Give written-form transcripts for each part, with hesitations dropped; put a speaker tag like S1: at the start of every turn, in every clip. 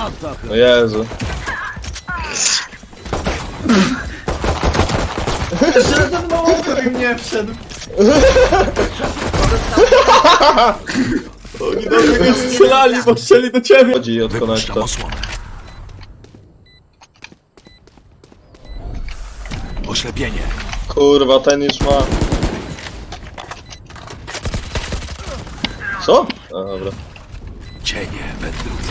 S1: No Jezu.
S2: Żaden małowy mnie wszedł.
S3: Oni do mnie strzelali, bo strzeli do ciebie.
S1: Chodzi od konekta.
S4: Oślepienie.
S1: Kurwa, ten już ma. Co? A, dobra.
S4: Cienie wędrują.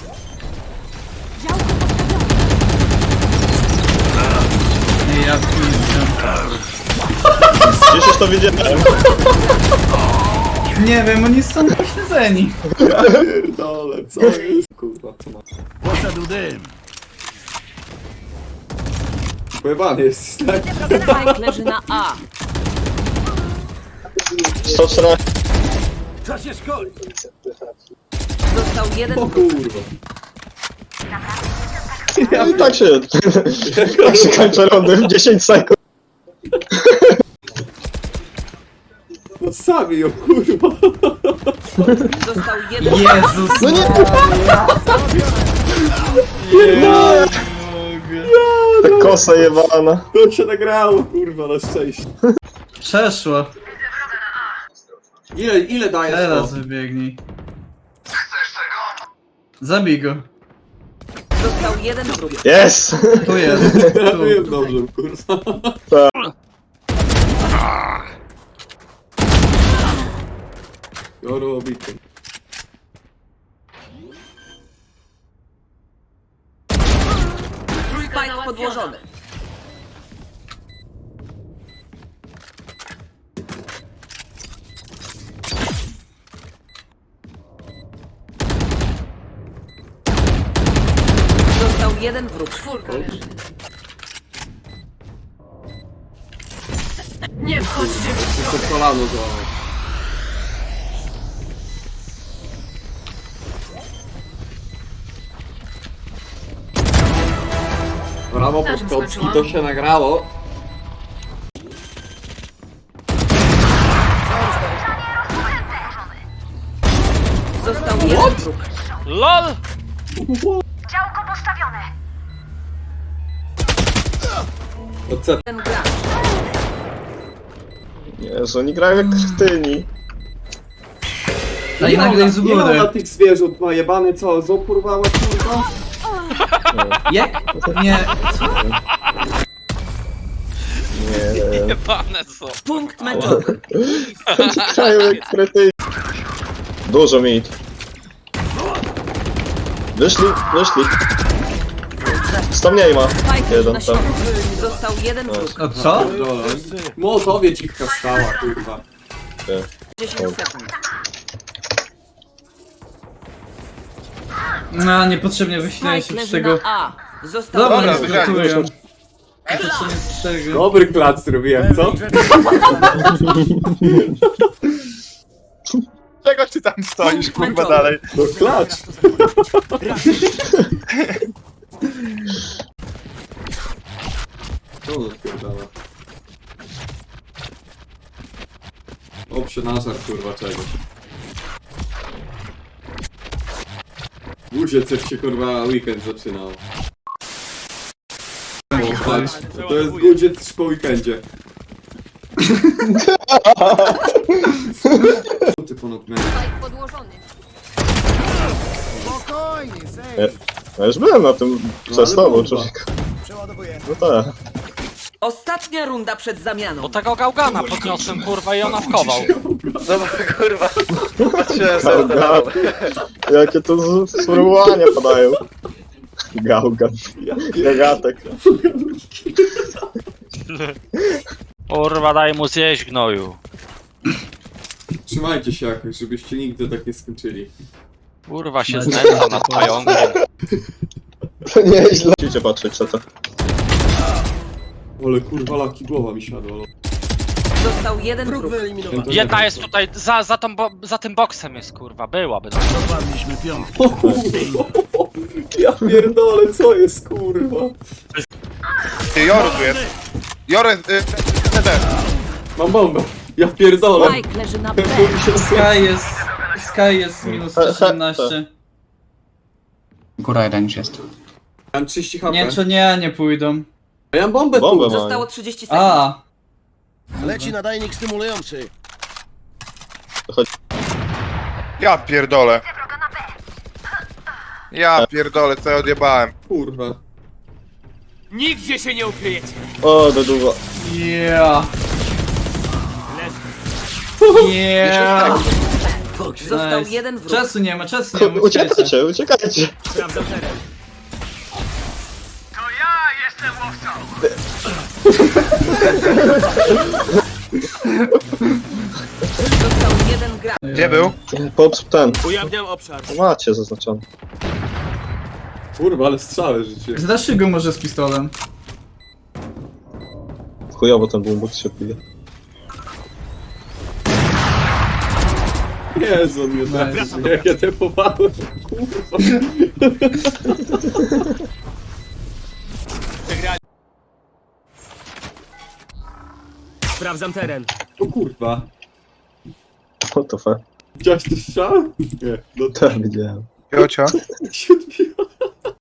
S2: Nie, ja pierdolę.
S1: Gdzieś już to widziałem.
S2: Nie wiem, oni są pośledzeni.
S3: Pierdolę, co jest? Kurwa, co ma?
S4: Poszedł dym.
S3: Pojebany jest, tak?
S5: Spike leży na A.
S1: 114.
S4: Czas się szkoli.
S5: Został jeden
S3: O
S5: wróg.
S3: kurwa.
S1: No i tak się kończy rundy w 10 sekund.
S3: No sami ją, kurwa.
S5: Został jeden
S2: Jezus.
S1: No nie,
S2: Nie.
S1: ta kosa jebana.
S3: To się nagrało, kurwa, na szczęście.
S2: Przeszło.
S3: Ile dajesz
S2: Teraz
S3: to?
S2: wybiegnij. Zabij go.
S5: Został jeden wróg.
S1: Jest!
S2: Tu jest.
S3: To jest
S2: Tu.
S3: dobrze, kurwa. Joro obity.
S5: Spike podłożony. Został jeden wróg. Czwórka leży. Nie wchodźcie!
S3: To kolano złamał. Brawo, Podkocki, to się nagrało.
S5: Został jeden wróg.
S6: LOL!
S7: Działko postawione.
S3: To co?
S5: Ten gracz.
S1: Jezu, oni grają jak kretyni.
S2: A i nagle z
S3: Ile ona
S2: góry.
S3: tych zwierząt ma jebany, co? Zoporwała, kurwa?
S2: Jak? Nie.
S1: Nie.
S6: Jebane są.
S5: Punkt meczowy.
S1: Grają jak kretyni. Dużo mit. Wyszli. 100 mniej ma.
S5: Spike
S1: Jeden
S5: na
S1: tam.
S5: środku. Został jeden wróg.
S2: O co?
S3: Dole. Mołotowie cichka stała, kurwa.
S5: 10 sekund.
S2: No, niepotrzebnie wysilałem się
S5: Spike
S2: z
S5: leży
S2: tego.
S5: na A. Został
S2: Dobra,
S5: jeden
S2: nie
S5: wróg.
S2: zgatuję. Niepotrzebnie z tego.
S3: Dobry klac zrobiłem, co?
S6: Czego ty tam stoisz, kurwa, dalej?
S3: No klacz! Co on odpierdala? Oprze na żar, kurwa, czegoś. Guziec jak się, kurwa, weekend zaczynał. O, patrz, to jest guziec po weekendzie. Ty ponad mnie.
S5: Spike podłożony.
S1: Ja już byłem na tym przez
S3: ale
S1: tobą,
S3: bomba.
S1: człowieku. No tak.
S5: Ostatnia runda przed zamianą.
S6: Bo tego gałgana podniosłem, kurwa, i ona wchował.
S1: Gałgan. Jakie to sformułowania padają. Gałgan. Gagatek.
S6: Kurwa, daj mu zjeść, gnoju.
S3: Trzymajcie się jakoś, żebyście nigdy tak nie skończyli.
S6: Kurwa się znęca nad pająkiem.
S1: To nieźle. Musicie patrzeć co to.
S3: Ale kurwa, laki głowa mi siadła.
S5: Został jeden wróg.
S6: Jedna jest tutaj, za tym boksem jest, kurwa, byłaby.
S4: Dopadliśmy piątkę.
S3: Ja pierdolę, co jest kurwa?
S8: Joru tu jest. Joru, CD.
S3: Mam bombę. Ja pierdolę.
S5: Spike leży na B.
S2: Sky jest minus 18.
S9: Góra jeden już jest.
S3: Ja mam 30 HP.
S2: Nie, czy nie pójdą.
S3: A ja mam bombę
S1: Bombę
S3: tu.
S1: mam.
S5: Zostało 30 sekund.
S2: A,
S4: Leci nadajnik stymulujący.
S8: Ja pierdolę. Ja pierdolę, co ja odjebałem.
S3: Kurwa.
S4: Nigdzie się nie ukryjecie.
S1: O, do długo.
S2: yeah. Yeah.
S5: Został
S2: Nice.
S5: jeden wróg.
S2: Czasu nie ma, uciekajcie.
S1: Uciekajcie, uciekajcie.
S4: Sprawdzam teren.
S5: Został jeden gracz.
S8: Gdzie był?
S1: Ten.
S4: Ujawniam obszar.
S1: Macie zaznaczone.
S3: Kurwa, ale strzały życie.
S2: Zdaszy go może z pistolem.
S1: Chujowo ten bumbut się pije.
S3: Jezu, on mnie trafił. Jak ja tepowałem. Kurwa.
S4: Sprawdzam teren.
S3: O kurwa.
S1: What the fuck?
S3: Widziałeś to strzał? Nie. No
S1: Tak, widziałem.
S8: Ciocia.
S3: się odbiła.